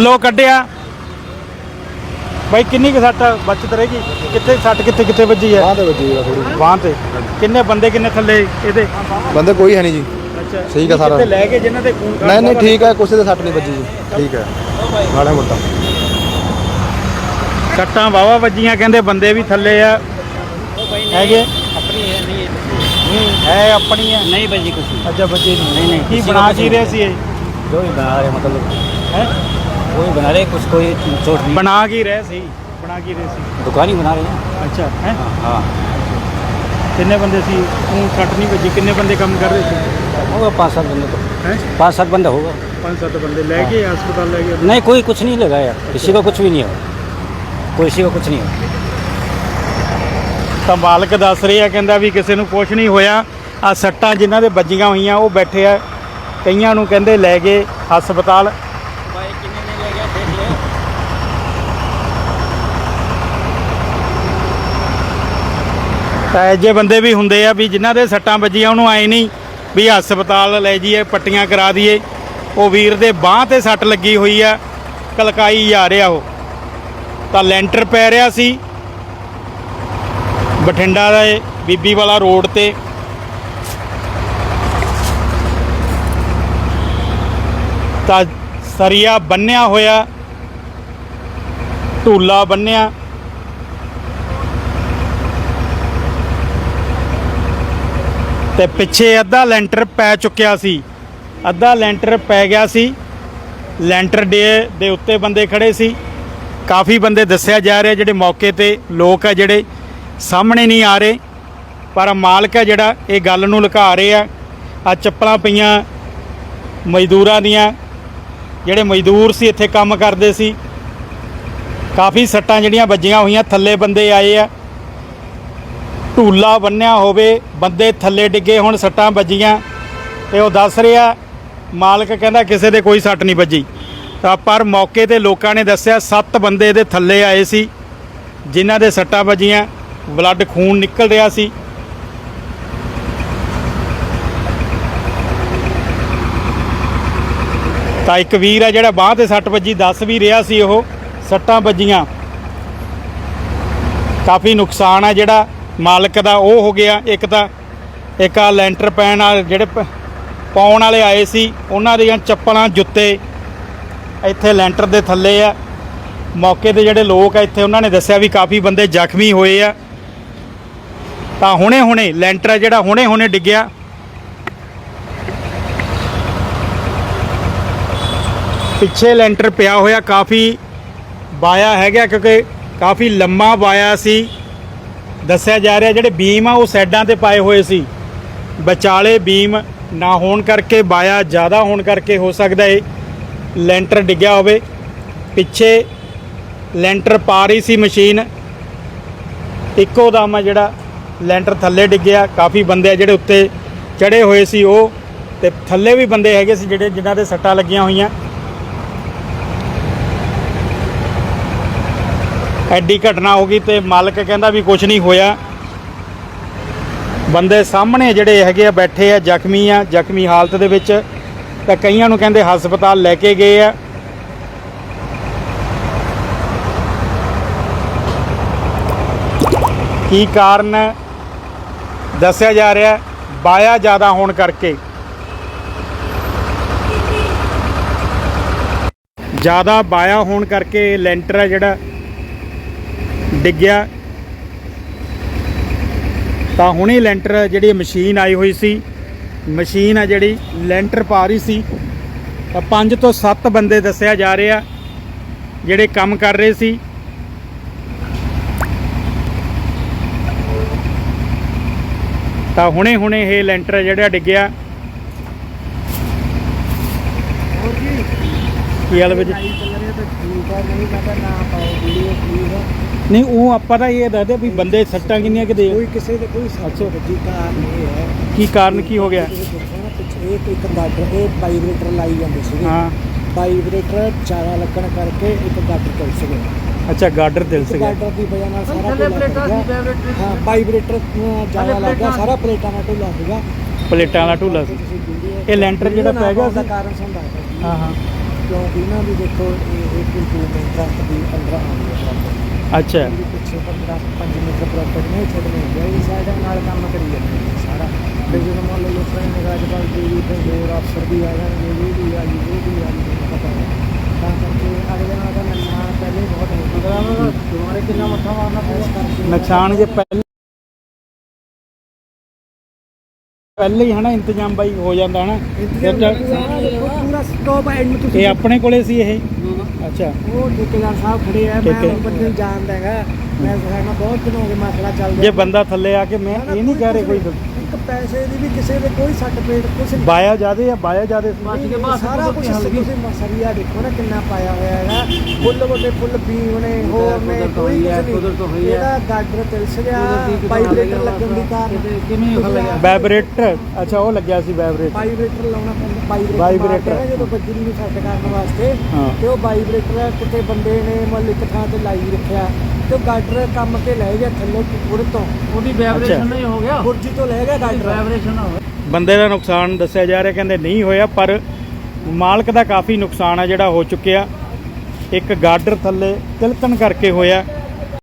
थल्लों कढ़िया भाई किन्नी सट बचत रहेगी कितने सट कितने कितने बजी है बांह ते किन्ने बंदे किन्ने थल्ले इहदे बंदे कोई है नहीं जी अच्छा सही का सारा लैके जिन्हां दे खून नहीं नहीं ठीक है कुछ सट नहीं बजी जी ठीक है माड़ा मोटा सट्टां वाहवा वजियां कहंदे बंदे भी थल्ले आ हैगे अपनी है नहीं है अपनी है नहीं बजी कुछ अच्छा बजी नहीं नहीं की बना की रहे सी जो भी बना रहे मतलब है वो ही बना रहे कुछ कोई चोट नहीं बना की रहे सी बना की रहे सी दुकान ही बना रहे हैं अच्छा है हाँ किन्ने बंदे सी तू सट नहीं बजी किन्ने बंदे काम कर रहे थे होगा 5-7 बंदे तो हैं 5-7 बंदा होगा 5-7 बंदे लेके अस्पताल ले गए नहीं कोई कुछ नहीं लगा यार किसी का कुछ भी नहीं हो किसी का कुछ नहीं हो ਤਾਂ ਮਾਲਕ ਦੱਸ ਰਿਹਾ ਕਹਿੰਦਾ ਵੀ ਕਿਸੇ ਨੂੰ ਕੁਝ ਨਹੀਂ ਹੋਇਆ ਆ ਸੱਟਾਂ ਜਿਨ੍ਹਾਂ ਦੇ ਵੱਜੀਆਂ ਹੋਈਆਂ ਉਹ ਬੈਠੇ ਆ ਕਈਆਂ ਨੂੰ ਕਹਿੰਦੇ ਲੈ ਗਏ ਹਸਪਤਾਲ ਤਾਂ ਇਹ ਜਿਹੇ ਬੰਦੇ ਵੀ ਹੁੰਦੇ ਆ ਵੀ ਜਿਨ੍ਹਾਂ ਦੇ ਸੱਟਾਂ ਵੱਜੀਆਂ ਉਹਨੂੰ ਆਏ ਨਹੀਂ ਵੀ ਹਸਪਤਾਲ ਲੈ ਜਾਈਏ ਪੱਟੀਆਂ ਕਰਾ ਦਈਏ ਉਹ ਵੀਰ ਦੇ ਬਾਂਹ ਤੇ ਸੱਟ ਲੱਗੀ ਹੋਈ ਆ ਕਲਕਾਈ ਜਾ ਰਿਹਾ ਉਹ ਤਾਂ ਲੈਂਟਰ ਪੈ ਰਿਹਾ ਸੀ ਬਠਿੰਡਾ ਦੇ ਬੀਬੀ ਵਾਲਾ ਰੋਡ ਤੇ ਤਾਂ ਸਰੀਆ ਬੰਨਿਆ ਹੋਇਆ ਢੂਲਾ ਬੰਨਿਆ ਤੇ ਪਿੱਛੇ ਅੱਧਾ ਲੈਂਟਰ ਪੈ ਚੁੱਕਿਆ ਸੀ ਅੱਧਾ ਲੈਂਟਰ ਪੈ ਗਿਆ ਸੀ ਲੈਂਟਰ ਦੇ ਉੱਤੇ ਬੰਦੇ ਖੜੇ ਸੀ ਕਾਫੀ ਬੰਦੇ ਦੱਸਿਆ ਜਾ ਰਿਹਾ ਜਿਹੜੇ ਮੌਕੇ ਤੇ ਲੋਕ ਆ ਜਿਹੜੇ ਸਾਹਮਣੇ ਨਹੀਂ ਆ ਰਹੇ ਪਰ ਮਾਲਕ ਹੈ ਜਿਹੜਾ ਇਹ ਗੱਲ ਨੂੰ ਲੁਕਾ ਰਹੇ ਆ ਆ ਚੱਪਲਾਂ ਪਈਆਂ ਮਜ਼ਦੂਰਾਂ ਦੀਆਂ ਜਿਹੜੇ ਮਜ਼ਦੂਰ ਸੀ ਇੱਥੇ ਕੰਮ ਕਰਦੇ ਸੀ ਕਾਫੀ ਸੱਟਾਂ ਜਿਹੜੀਆਂ ਵੱਜੀਆਂ ਹੋਈਆਂ ਥੱਲੇ ਬੰਦੇ ਆਏ ਆ ਢੂਲਾ ਬੰਨਿਆ ਹੋਵੇ ਬੰਦੇ ਥੱਲੇ ਡਿੱਗੇ ਹੁਣ ਸੱਟਾਂ ਵੱਜੀਆਂ ਤੇ ਉਹ ਦੱਸ ਰਿਹਾ ਮਾਲਕ ਕਹਿੰਦਾ ਕਿਸੇ ਦੇ ਕੋਈ ਸੱਟ ਨਹੀਂ ਵੱਜੀ ਤਾਂ ਪਰ ਮੌਕੇ ਤੇ ਲੋਕਾਂ ਨੇ ਦੱਸਿਆ 7 ਬੰਦੇ ਦੇ ਥੱਲੇ ਆਏ ਸੀ ਜਿਨ੍ਹਾਂ ਦੇ ਸੱਟਾਂ ਵੱਜੀਆਂ ਬਲੱਡ ਖੂਨ ਨਿਕਲ ਰਿਹਾ ਸੀ ਤਾਂ ਇੱਕ ਵੀਰ ਆ ਜਿਹੜਾ ਬਾਂਹ ਤੇ ਸੱਟ ਵੱਜੀ ਦੱਸ ਵੀ ਰਿਹਾ ਸੀ ਉਹ ਸੱਟਾਂ ਵੱਜੀਆਂ ਕਾਫੀ ਨੁਕਸਾਨ ਆ ਜਿਹੜਾ ਮਾਲਕ ਦਾ ਉਹ ਹੋ ਗਿਆ ਇੱਕ ਆ ਲੈਂਟਰ ਪੈਣ ਵਾਲੇ ਜਿਹੜੇ ਪਾਉਣ ਵਾਲੇ ਆਏ ਸੀ ਉਹਨਾਂ ਦੀਆਂ ਚੱਪਲਾਂ ਜੁੱਤੇ ਇੱਥੇ ਲੈਂਟਰ ਦੇ ਥੱਲੇ ਆ ਮੌਕੇ ਤੇ ਜਿਹੜੇ ਲੋਕ ਆ ਇੱਥੇ ਉਹਨਾਂ ਨੇ ਦੱਸਿਆ ਵੀ ਕਾਫੀ ਬੰਦੇ ਜ਼ਖਮੀ ਹੋਏ ਆ ਤਾਂ ਹੁਣੇ ਲੈਂਟਰ ਜਿਹੜਾ ਹੁਣੇ ਡਿੱਗਿਆ ਪਿੱਛੇ ਲੈਂਟਰ ਪਿਆ ਹੋਇਆ ਕਾਫੀ ਵਾਇਆ ਹੈਗਾ ਕਿਉਂਕਿ ਕਾਫੀ ਲੰਮਾ ਵਾਇਆ ਸੀ ਦੱਸਿਆ ਜਾ ਰਿਹਾ ਜਿਹੜੇ ਬੀਮ ਆ ਉਹ ਸਾਈਡਾਂ ਤੇ ਪਾਏ ਹੋਏ ਸੀ ਵਿਚਾਲੇ ਬੀਮ ਨਾ ਹੋਣ ਕਰਕੇ ਵਾਇਆ ਜ਼ਿਆਦਾ ਹੋਣ ਕਰਕੇ ਹੋ ਸਕਦਾ ਇਹ ਲੈਂਟਰ ਡਿੱਗਿਆ ਹੋਵੇ ਪਿੱਛੇ ਲੈਂਟਰ ਪਾ ਰਹੀ ਸੀ ਮਸ਼ੀਨ ਇੱਕੋ ਦਮ ਜਿਹੜਾ ਲੈਂਟਰ ਥੱਲੇ ਡਿੱਗਿਆ ਕਾਫੀ ਬੰਦੇ ਆ ਜਿਹੜੇ ਉੱਤੇ ਚੜੇ ਹੋਏ ਸੀ ਉਹ ਤੇ ਥੱਲੇ ਵੀ ਬੰਦੇ ਹੈਗੇ ਸੀ ਜਿਹੜੇ ਜਿਨ੍ਹਾਂ ਦੇ ਸੱਟਾਂ ਲੱਗੀਆਂ ਹੋਈਆਂ ਐਡੀ ਘਟਨਾ ਹੋ ਗਈ ਤੇ ਮਾਲਕ ਕਹਿੰਦਾ ਵੀ ਕੁਝ ਨਹੀਂ ਹੋਇਆ ਬੰਦੇ ਸਾਹਮਣੇ ਜਿਹੜੇ ਹੈਗੇ ਆ ਬੈਠੇ ਆ ਜ਼ਖਮੀ ਹਾਲਤ ਦੇ ਵਿੱਚ ਤਾਂ ਕਈਆਂ ਨੂੰ ਕਹਿੰਦੇ ਹਸਪਤਾਲ ਲੈ ਕੇ ਗਏ ਆ ਕੀ ਕਾਰਨ ਦੱਸਿਆ ਜਾ ਰਿਹਾ ਵਾਇਆ ਜ਼ਿਆਦਾ ਹੋਣ ਕਰਕੇ ਜ਼ਿਆਦਾ ਵਾਇਆ ਹੋਣ ਕਰਕੇ ਲੈਂਟਰ ਹੈ ਜਿਹੜਾ ਡਿੱਗਿਆ ਤਾਂ ਹੁਣੇ ਲੈਂਟਰ ਜਿਹੜੀ ਮਸ਼ੀਨ ਆਈ ਹੋਈ ਸੀ ਮਸ਼ੀਨ ਆ ਜਿਹੜੀ ਲੈਂਟਰ ਪਾ ਰਹੀ ਸੀ ਤਾਂ 5 ਤੋਂ 7 ਬੰਦੇ ਦੱਸਿਆ ਜਾ ਰਿਹਾ ਜਿਹੜੇ ਕੰਮ ਕਰ ਰਹੇ ਸੀ ਤਾਂ ਹੁਣੇ ਇਹ ਲੈਂਟਰ ਜਿਹੜਾ ਡਿੱਗਿਆ ਕੀ ਹਾਲ ਵਿੱਚ ਨਹੀਂ ਉਹ ਆਪਾਂ ਤਾਂ ਇਹ ਦੱਸਦੇ ਵੀ ਬੰਦੇ ਸੱਟਾਂ ਕਿੰਨੀਆਂ ਕਿਤੇ ਕੋਈ ਕਿਸੇ ਦੇ ਕੋਈ ਸੱਚੋ ਵੱਜੀ ਕਾਰਨ ਇਹ ਹੈ ਕੀ ਕਾਰਨ ਕੀ ਹੋ ਗਿਆ ਇੱਕ ਗਾਡਰ ਇਹ ਵਾਈਬ੍ਰੇਟਰ ਲਾਈ ਜਾਂਦੇ ਸੀਗੇ ਹਾਂ ਵਾਈਬ੍ਰੇਟਰ ਜ਼ਿਆਦਾ ਲੱਗਣ ਕਰਕੇ ਇੱਕ ਗਾਡਰ ਚੱਲ ਸੀਗੇ ਅੱਛਾ ਗਾਡਰ ਦਿਲ ਸੀ ਗਾਡਰ ਦੀ ਵਜ੍ਹਾ ਨਾਲ ਸਾਰਾ ਹਾਂ ਵਾਈਬ੍ਰੇਟਰ ਜ਼ਿਆਦਾ ਲੱਗ ਗਿਆ ਸਾਰਾ ਪਲੇਟਾਂ ਨਾਲ ਢੁੱਲਾ ਸੀਗਾ ਪਲੇਟਾਂ ਦਾ ਢੁੱਲਾ ਸੀ ਇਹ ਲੈਂਟਰ ਜਿਹੜਾ ਪੈ ਗਿਆ ਸੀ ਕਾਰਨ ਸਮਝਾ ਹਾਂ ਕਿਉਂਕਿ ਨਾ ਵੀ ਦੇਖੋ ਇਹ ਕੋਈ ਇੰਪਰੂਵਮੈਂਟ ਟਰੱਕ ਦੀ 15 ਆਉਂਦੀ ਹੈ ਪ੍ਰੋਪਰ ਅੱਛਾ ਇਹਦੇ ਪਿੱਛੇ 5 ਮੀਟਰ ਪ੍ਰੋਪਰ ਨਹੀਂ ਛੱਡ ਨਹੀਂ ਗਿਆ ਇਹ ਸਾਈਡ ਨਾਲ ਕੰਮ ਕਰੀ ਜਾਂਦੇ ਨੇ ਸਾਰਾ ਤੇ ਜਦੋਂ ਮੰਨ ਲਓ ਲੋਕਾਂ ਨੇ ਰਾਜਪਾਲ ਜੀ ਤੇ ਹੋਰ ਅਫਸਰ ਵੀ ਆ ਜਾਣਗੇ ਇਹ ਵੀ ਆ ਜੀ ਉਹ ਵੀ ਆ ਜੀ ਪਤਾ ਹੈ ਤਾਂ ਕਰਕੇ ਅਗਲੇ ਨਾਲ ਦਾ ਨੁਕਸਾਨ ਪਹਿਲੇ ਬਹੁਤ ਹੋ ਗਿਆ ਦੁਬਾਰੇ ਕਿੰਨਾ ਮੱਥਾ ਮਾਰਨਾ ਪਊਗਾ ਨੁਕਸਾਨ ਜੇ ਪਹਿਲੇ ਹੀ ਹਨਾ ਇੰਤਜ਼ਾਮ ਬਾਈ ਹੋ ਜਾਂਦਾ ਹਨਾ ਪੂਰਾ ਸਟਾਪ ਐਂਡ ਤੁਸੀਂ ਇਹ ਆਪਣੇ ਕੋਲੇ ਸੀ ਇਹ ਅੱਛਾ ਉਹ ਠੇਕੇਦਾਰ ਸਾਹਿਬ ਖੜੇ ਆ ਮੈਂ ਠੇਕੇ- ਬੰਦੇ ਨੂੰ ਜਾਣਦਾ ਹੈਗਾ ਮੈਂ ਸਾਡਾ ਬਹੁਤ ਦਿਨ ਹੋ ਗਏ ਮਸਲਾ ਚੱਲਦਾ ਜੇ ਬੰਦਾ ਥੱਲੇ ਆ ਕੇ ਮੈਂ ਇਹ ਨਹੀਂ ਕਹਿ ਰਿਹਾ ਕੋਈ ਇੱਕ ਪੈਸੇ ਦੀ ਵੀ ਕਿਸੇ ਦੇ ਕੋਈ ਸੱਟ ਪੇਟ ਕੁਛ ਨਹੀਂ ਬਾਇਆ ਜਿਆਦੇ ਆ ਬਾਇਆ ਜਿਆਦੇ ਸਾਰਾ ਕੁਝ ਤੁਸੀਂ ਮਸਰੀਆ ਦੇਖੋ ਨਾ ਕਿੰਨਾ ਪਾਇਆ ਹੋਇਆ ਹੈਗਾ ਫੁੱਲ ਵੱਡੇ ਫੁੱਲ ਬੀਮ ਨੇ ਹੋਰ ਨੇ ਕੋਈ ਕੁਝ ਨਹੀਂ ਇਹਦਾ ਗਾਡਰ ਤਿਲਸ ਗਿਆ ਵਾਈਬ੍ਰੇਟਰ ਲੱਗਣ ਦੀ ਕਾਰਨ ਕਿਵੇਂ ਵਾਈਬ੍ਰੇਟਰ ਅੱਛਾ ਉਹ ਲੱਗਿਆ ਸੀ ਵਾਈਬ੍ਰੇਟਰ ਵਾਈਬ੍ਰੇਟਰ ਲਾਉਣਾ ਪੈਂਦਾ ਵਾਈਬ੍ਰੇਟਰ। ਮਾਰਦੇ ਆ ਜਦੋਂ ਬੱਜਰੀ ਨੂੰ ਸੈੱਟ ਕਰਨ ਵਾਸਤੇ ਹਾਂ। ਤੇ ਉਹ ਵਾਈਬ੍ਰੇਟਰ ਕਿਤੇ ਬੰਦੇ ਨੇ ਮਤਲਬ ਇੱਕ ਥਾਂ ਤੇ ਲਾਈ ਰੱਖਿਆ ਤੇ ਉਹ ਗਾਡਰ ਕੰਮ ਕੇ ਲੈ ਗਿਆ ਥੱਲੇ ਪੁਰ ਤੋਂ ਉਹਦੀ vibration ਨਹੀਂ ਹੋ ਗਿਆ ਬੁਰਜੀ ਤੋਂ ਲੈ ਗਿਆ ਗਾਡਰ ਵਾਈਬ੍ਰੇਸ਼ਨ ਹੋ ਬੰਦੇ ਦਾ ਨੁਕਸਾਨ ਦੱਸਿਆ ਜਾ ਰਿਹਾ ਕਹਿੰਦੇ ਨਹੀਂ ਹੋਇਆ ਪਰ ਮਾਲਕ ਦਾ ਕਾਫੀ ਨੁਕਸਾਨ ਆ ਜਿਹੜਾ ਹੋ ਚੁੱਕਿਆ ਇੱਕ ਗਾਡਰ ਥੱਲੇ ਤਿਲਕਣ ਕਰਕੇ ਹੋਇਆ